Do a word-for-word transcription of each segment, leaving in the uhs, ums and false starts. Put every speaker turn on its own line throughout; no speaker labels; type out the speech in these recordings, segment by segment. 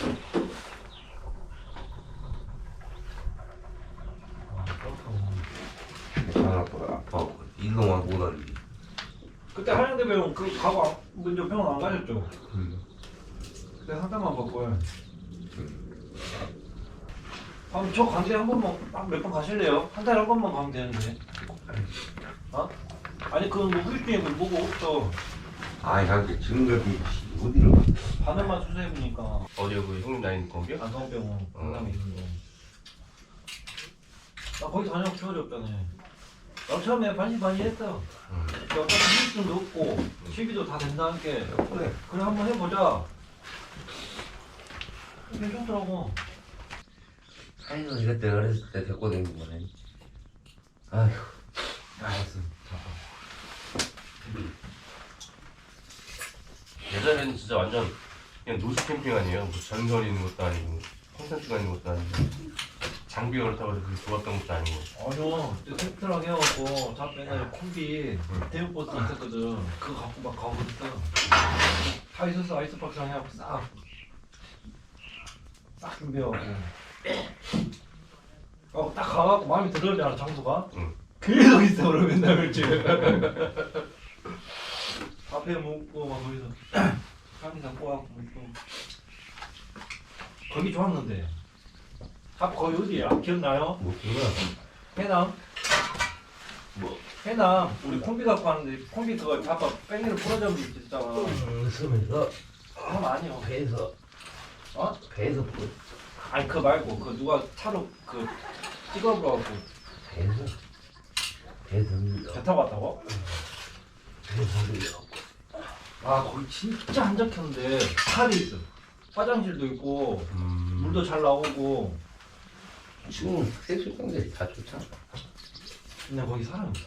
아빠 아빠 일동안 못하는데.
그때 한양대 병원 그 가고 안- 먼저 병원 안 가셨죠?
음.
그때 상담만 받고요. 그럼 저 관대 한 번만 몇 번 가실래요? 한 달에 한 번만 가면 되는데. 어? 아니 그건 뭐 후유증이 뭐고 없죠.
아이 자기 지금 같은 어디를 가?
바늘만 수술해보니까
어디요 그 형님 나이 거기요?
안성병원 강남에 있는 거. 나 거기 다녀고 기억이 없잖아요. 나 처음에 반신반의했어.
음.
어차피 후유증도 없고 시비도 다 된다는 게
그래.
그래 한번 해보자. 괜찮더라고.
아이고 이것때 어렸을 때 데리고 다니는 거네. 아휴.
알았어.
예전에는 진짜 완전 그냥 노스 캠핑 아니에요. 뭐 전선 있는 것도 아니고 콘센트가 있는 것도 아니고 장비가 그렇다고 해서 그게 좋았던 것도 아니고.
아니요. 그때 컴퓨터랑 해갖고 자 맨날 콤비
응.
대우버스 있었거든. 그거 갖고 막 가고 그랬어. 다 있었어. 아이스박스랑 해갖고 싹. 싹 준비해갖고. 어, 딱 가갖고 마음에 들었잖아 장소가.
응.
계속 있어 그러면 맨날 그렇지. 앞에 먹고 막 거기서 카미사 꼬아갖고 또 거기 좋았는데. 아 거기 어디야? 기억나요?
뭐 그거야.
해남?
뭐?
해남 우리 콤비 갖고 왔는데 콤비 그거 아빠 뺑이를 부러져서 있었잖아.
쓰면서
하면 아니요.
배에서
어?
배에서 뭐
아니 그거 말고 그 누가 차로 그 찍어보라고
배에서 배에서
배 타고 왔다고?
배에서
아 거기 진짜 한적했는데 살이 있어. 화장실도 있고
음.
물도 잘 나오고.
지금 해수욕장들이 다 좋잖아.
근데 거기 사람이 없어.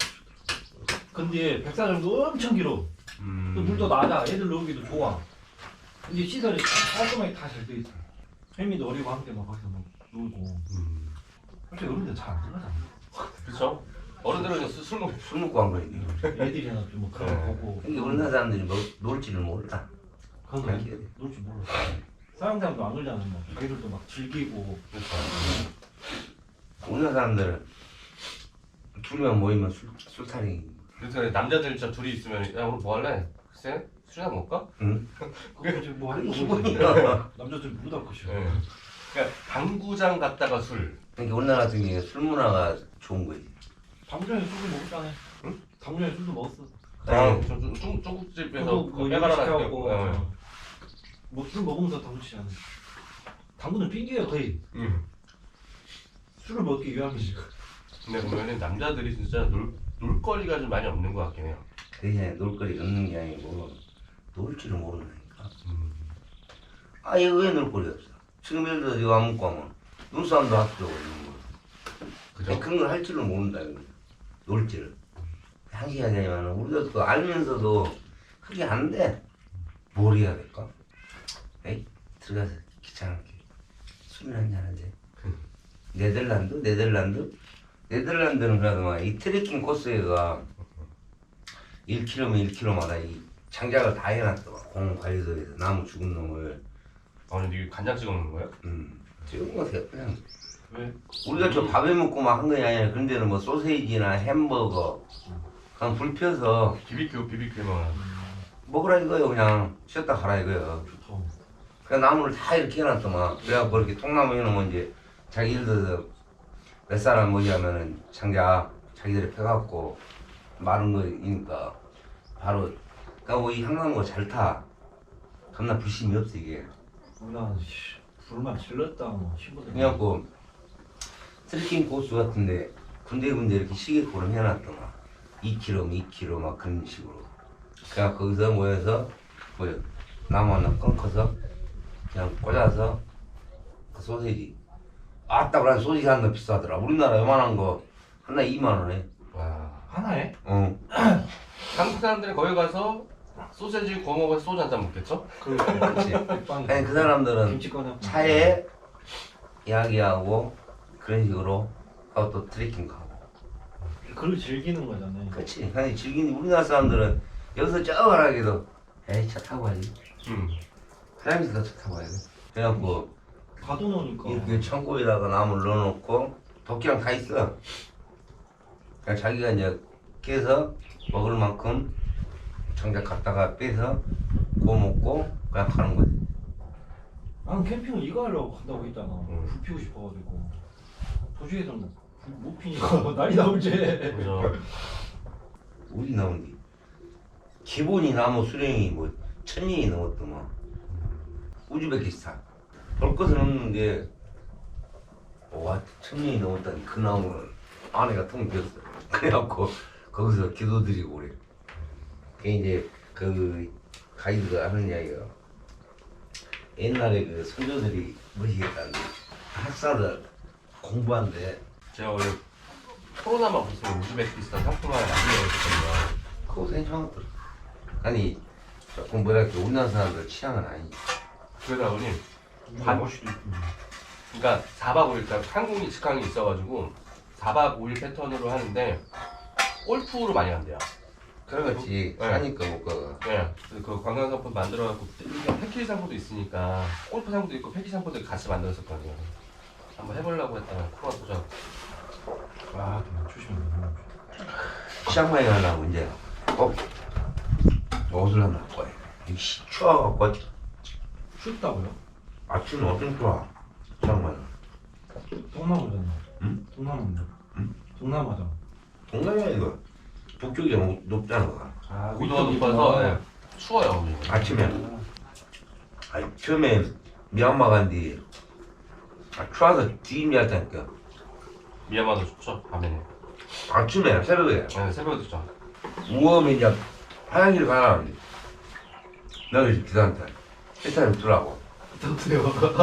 근데 백사장도 엄청 길어.
음.
또 물도 낮아. 애들 놀기도 좋아. 근데 시설이 깔끔하게 다 잘 돼 있어. 혜미도 어리고 함께 막 거기서 막 놀고.
음.
솔직히 어른들 잘 안 들어가잖아.
그렇죠. 어른들은 그냥 술, 술 먹.
술 먹고 한 거지.
애들이나 좀 뭐 그런 거 보고.
근데 우리나라 사람들이 뭐 놀지를 몰라.
그건
그렇게
왜
해야 돼.
놀줄 몰라. 서양 사람도 안 놀잖아. 뭐. 자기들도 막 즐기고.
그렇죠.
우리나라 사람들은 둘이만 모이면 술, 술타령.
그래서 남자들 진짜 둘이 있으면 야 오늘 뭐 할래? 글쎄 술이나 먹을까?
응?
그거 이제 뭐 하는 거
기본이야.
남자들 무다 것이야.
예. 그러니까 당구장 갔다가 술.
그러니까 우리나라 같은 경우에 술 문화가 좋은 거지.
당구장에 술도 먹었잖아.
응?
당구장에 술도 먹었어.
아,
네.
저 중- 중- 중국집에서
저도
그
뭐
빼가라
시켜갖고
놨고.
뭐술 먹으면서 당구 치잖아. 당구는 핑계야 거의.
응.
술을 먹기 위함이지.
근데 보면은 남자들이 진짜 놀 놀거리가 좀 많이 없는 것 같긴 해요.
그냥 놀거리 없는 게 아니고 놀 줄을 모른다니까.
음.
아예 왜 놀거리 없어? 지금 예를 들어 이거 안 먹고 하면 눈싸움도 합치고 있는 거.
그죠?
그런 걸 할 줄을 모른다 이거. 놀 줄을. 항시하게 하지만 우리가 그 알면서도 그게 안 돼. 뭘 해야 될까? 에이 들어가서 귀찮게 술이나 한잔 하지. 네덜란드? 네덜란드? 네덜란드는 그래도 막 이 트레킹 코스가 일 킬로미터 일 킬로미터마다 이 장작을 다 해놨더만 공원 관리소에서 나무 죽은 놈을.
아 근데 이게 간장 찍어 먹는 거예요?
음 지금 뭐 그냥
왜?
우리가 저 밥에 먹고 막 한 거 아니야. 그런 데는 뭐 소세지나 햄버거 그냥 불 펴서
비비큐 비비큐만.
먹으라 이거요. 그냥 쉬었다 가라 이거요.
좋다.
그 나무를 다 이렇게 해놨더만. 그래갖고 이렇게 통나무 해놓으면 이제 자기 예를 들어서 몇 사람 뭐지 하면은 장작 자기들이 펴갖고 마른 거니까 바로 그러니까 뭐 이 향나무가 잘 타. 겁나 불심이 없어 이게.
우리나라 씨, 불만 질렀다 뭐 신부들.
그래갖고 트레킹 코스 같은데 군데군데 이렇게 시계코를 해놨더만. 이 킬로미터 이 킬로미터 막 그런 식으로. 그냥 거기서 모여서 뭐 나무 하나 끊고서 그냥 꽂아서 그 소세지. 아따 그래 소세지 하나 비싸더라. 우리나라 요만한 거 하나 이만 원에.
와.
하나에?
어.
한국 사람들이 거기 가서 소세지 구워 먹어서 소주 한 잔 먹겠죠?
그렇지.
백빵이.
아니 그 사람들은
김치 꺼내.
차에 이야기하고 그런 식으로 하고 또 트레킹 가고.
그걸 즐기는 거잖아요.
그렇지. 아니 즐기는 우리나라 사람들은 여기서 저 가라기도 에이 차 타고 가야지.
응.
화장실도 차 타고 가야 돼. 그래갖고
가둬놓으니까.
이렇게 창고에다가 나무를 넣어놓고 도끼랑 다 있어. 그냥 자기가 이제 깨서 먹을 만큼 정작 갖다가 빼서 구워 먹고 그냥 가는 거지.
나는 캠핑을 이거 하려고 간다고 했잖아.
응.
불 피우고 싶어가지고. 도시에서는 불 못 피니까 난리 나오지.
그죠.
우리 나온 게 기본이 나무 수령이 뭐 천년이 넘었더만. 우즈베키스탄 볼 것은 없는데 와 천년이 넘었다니 그 나무는 안에가 텅 비었어. 그래갖고 거기서 기도드리고 그래. 그 이제 그 가이드가 하는 이야기가 옛날에 그 선조들이 뭐시겠다는데 학사들 공부한데
제가 원래 코로나만 없었으면 우즈베키스탄 상품화를 만들려고 했거든요.
그거 괜찮았더라. 아니 조금 뭐랄까 우리나라 사람들 취향은 아니지.
그러다 보니
반 멋있도 있고.
그러니까 사 박 오 일 딱 항공이 직항이 있어가지고 사 박 오 일 패턴으로 하는데 골프로 많이 간대요.
그래가지
네.
하니까 못 가가.
네. 그래서 그 관광 상품 만들어갖고 이게 패키지 상품도 있으니까 골프 상품도 있고 패키지 상품도 같이 만들었었거든요. 한번 해보려고 했다가 코로나 터져.
아, 조심해.
치앙마이 가려고 이제 꼭 옷을 하나 갖고 와야 돼. 씨 추워갖고
춥다고요?
아침은 어쩜 좋아. 치앙마이.
동남아잖아.
응?
동남아인데.
응?
동남아잖아.
동남아 이거 북쪽이 높, 높잖아.
아,
고도가 높아서 네. 추워요. 거기.
아침에 아니 처음에 미얀마 간뒤 아, 추워서 뒤임이 왔다니까.
미얀마도 좋죠. 밤에는.
아침에 새벽에
네, 새벽에 좋죠.
우엄이 이제 화장실 가라는데 내가 이제 기사한테 일단 입더라고.
어때요?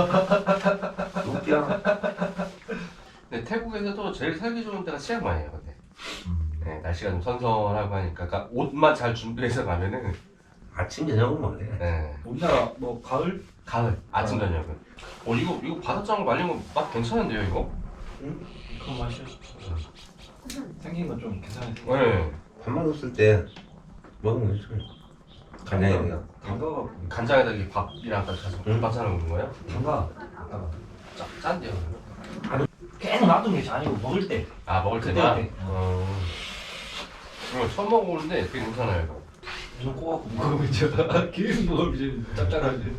웃겨.
근데 태국에서도 제일 살기 좋은 데가 치앙마이예요. 근데 네, 날씨가 좀 선선하고 하니까 그러니까 옷만 잘 준비해서 가면은
아침 저녁은 뭐래.
네.
우리나라 뭐 가을?
가을 아침 저녁은. 어 이거 이거 바닷장어 말린 거 맛 괜찮은데요 이거?
그런 맛이야. 생긴 건 좀 괜찮아.
네.
밥만 없을 때 먹으면 괜찮아. 간장이랑.
담가갖고.
간장에다 이렇게 밥이랑 같이 해서
응.
반찬을 먹는 거예요?
담가. 갖다가.
짜, 짠데요. 그러면?
계속 놔두는 게 아니고 먹을 때.
아 먹을
그때,
때다?
그때.
어. 이거 처음 먹어보는데 되게 괜찮아요 이거.
눈 꼬갖고 먹으면 이제 계속 먹으면 이제 짭짤하지.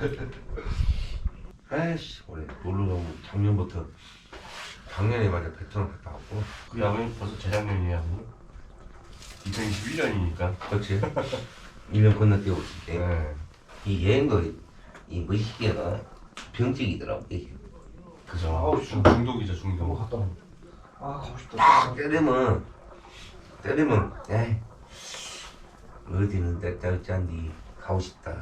아이씨 올해 놀러 가면 작년부터 작년에 맞아 베트남 갔다 왔고.
그게 아버님 벌써 재작년이에요 아버님? 이천이십일 년이니까.
그렇지. 일 년 건너뛰고 있을 때.
네.
이 여행도 이 무식이가 병증이더라고 이게.
그죠.
아우,
중, 중독이죠
너무
중독.
갔다 와. 아 가고 싶다.
딱 때리면 때리면 에이 어디는 때때리 짠디 가고 싶다.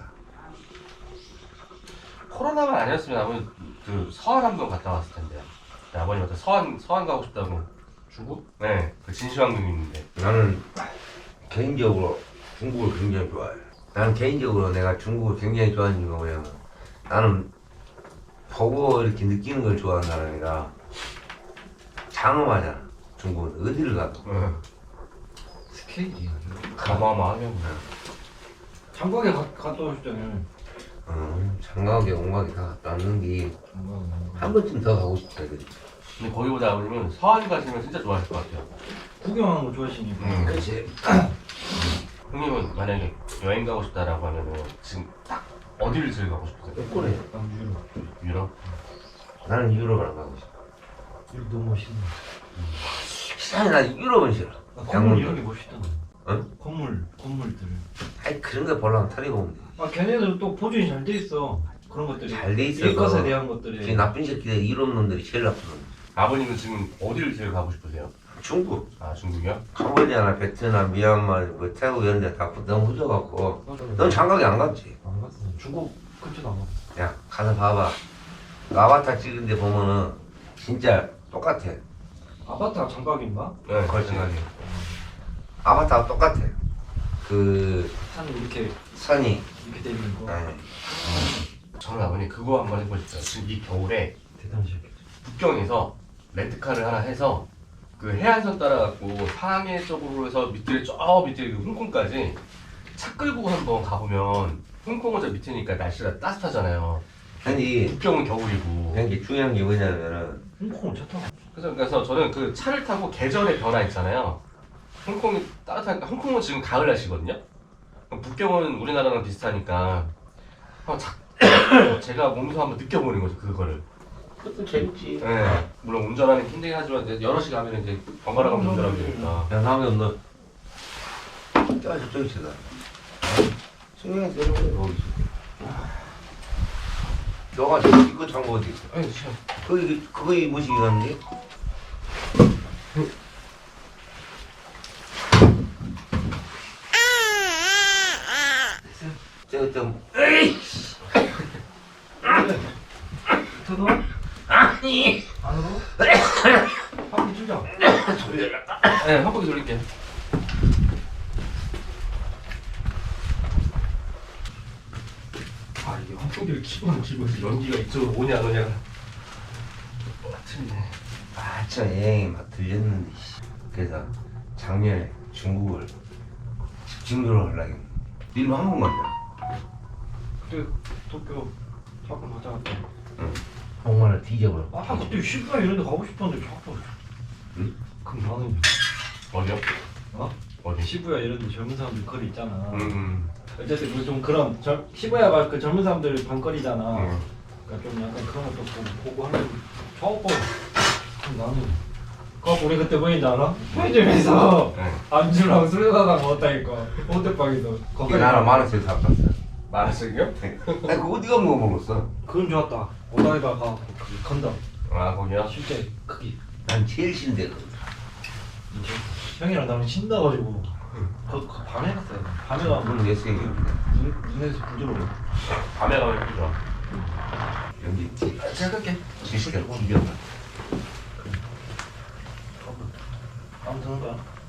코로나만 아니었으면 아버님 그 서한 한번 갔다 왔을 텐데요. 네, 아버님한테 서한 서한 가고 싶다고.
중국?
네. 그 진시황릉 있는데.
나는 개인적으로 중국을 굉장히 좋아해. 나는 개인적으로 내가 중국을 굉장히 좋아하는 이유가 뭐냐면 나는 보고 이렇게 느끼는 걸 좋아하는 사람이라 장엄하잖아. 중국은 어디를 가도.
네.
스케일이
어마어마하면.
장각에 가, 갔다 오셨잖아요.
어, 장가게 온가게 다 갔다 왔는데
장각.
한 번쯤 더 가고 싶다. 그래.
근데 거기보다 아버님은 서한 가시면 진짜 좋아하실 것 같아요.
구경하는 거 좋아하시니까.
음.
그렇지.
형님은 만약에 여행 가고 싶다라고 하면은 지금 딱 어디를 제일 가고 싶으세요?
꼬꼬래.
난 유럽.
유럽?
나는 유럽을 안 가고 싶어.
유럽 너무 멋있네.
시장에 난 유럽은 싫어.
아, 건물 이런 게 멋있잖아.
응?
건물, 건물들.
아이 그런 거 보려면 탈이 보면 돼.
아 걔네들 또 보존이 잘 돼 있어. 그런 것들이.
잘 돼 있어.
일것에 대한 것들이.
그 나쁜 새끼들 유럽 놈들이 제일 나쁜 놈.
아버님은 지금 어디를 제일 가고 싶으세요?
중국,
아 중국이요?
캄보디아나 베트남, 미얀마, 뭐 태국 이런 데 다 너무 후져갖고 넌 장가게 안 갔지?
안 갔어. 중국 근처도 안 갔어.
야 가서 봐봐. 그 아바타 찍은 데 보면은 진짜 똑같아.
아바타 장각인가?
네,
그렇지.
생각이.
아바타가 똑같아. 그
산 이렇게
선이.
이렇게 돼 있는 거.
네.
저는 아버님 그거 한번 해보고 싶어요. 지금 이 겨울에
대단하시겠다.
북경에서 렌트카를 하나 해서 그 해안선 따라갖고 상해 쪽으로 해서 밑에 저 밑에 그 홍콩까지 차 끌고 한번 가보면 홍콩은 저 밑이니까 날씨가 따뜻하잖아요.
아니
북경은 겨울이고.
그냥 이게 중요한 게 뭐냐면은
홍콩은 차 타고.
그래서 그래서 저는 그 차를 타고 계절의 변화 있잖아요. 홍콩이 따뜻하니까 홍콩은 지금 가을 날씨거든요. 그럼 북경은 우리나라랑 비슷하니까 한번 자, 제가 몸소 한번 느껴보는 거죠 그거를.
그것도 재밌지.
네. 물론 운전하는 게 힘들긴 하지만 이제 여럿이 가면 이제 번갈아 가면서 운전하면 되니까.
야 다음에 너 야, 저쪽에 있어. 승용이 내려오래 거기 있어. 너가 저기 이거 장고 어디 있어?
아니 참.
거기 그거 입으시기 갔는데? 저좀 에이
저도
아니
안으로 한번 주자.
네, 한 바퀴 돌릴게요.
아 이게 한쪽을 키고 집어서
연기가 이쪽으로 오냐 안 오냐가 틀리네.
아저 여행이 막 들렸는데 씨. 그래서 작년에 중국을 집중적으로 하려고 했는데 니는 한 번만 자.
그때 도쿄 잠깐 가자 갔다.
응. 정말 뒤져버려.
아 그때 시부야 이런 데 가고 싶었는데 자꾸.
응?
그럼 나는
어디요?
어?
어디?
시부야 이런 데 젊은 사람들 거리 있잖아.
음.
어쨌든 그 좀 그런 절, 시부야가 그 젊은 사람들 방거리잖아.
음.
그러니까 좀 약간 그런 것도 보고, 보고 하면 좋고. 그럼 나는 그 우리 그때 뭐인지 알아? 편의점에서
네.
안주랑 술 사다 먹었다니까. 호텔방에서.
거기 나는 만 원씩 샀었어.
말하시고요?
아니 그거 어디가 뭐 먹었어?
그건 좋았다. 오다이바 가고 그 건담.
아 거기요?
실제 크기.
난 제일 신데 그.
이제 형이랑 나는 신나가지고 그, 그 밤에 갔어요. 밤에 가면
그건 내 생각인데.
눈, 눈에서 부드러워.
밤에 가면 예쁘죠.
여기 있지.
제가 끌게.
지시가 기가 막.
아무튼 거야.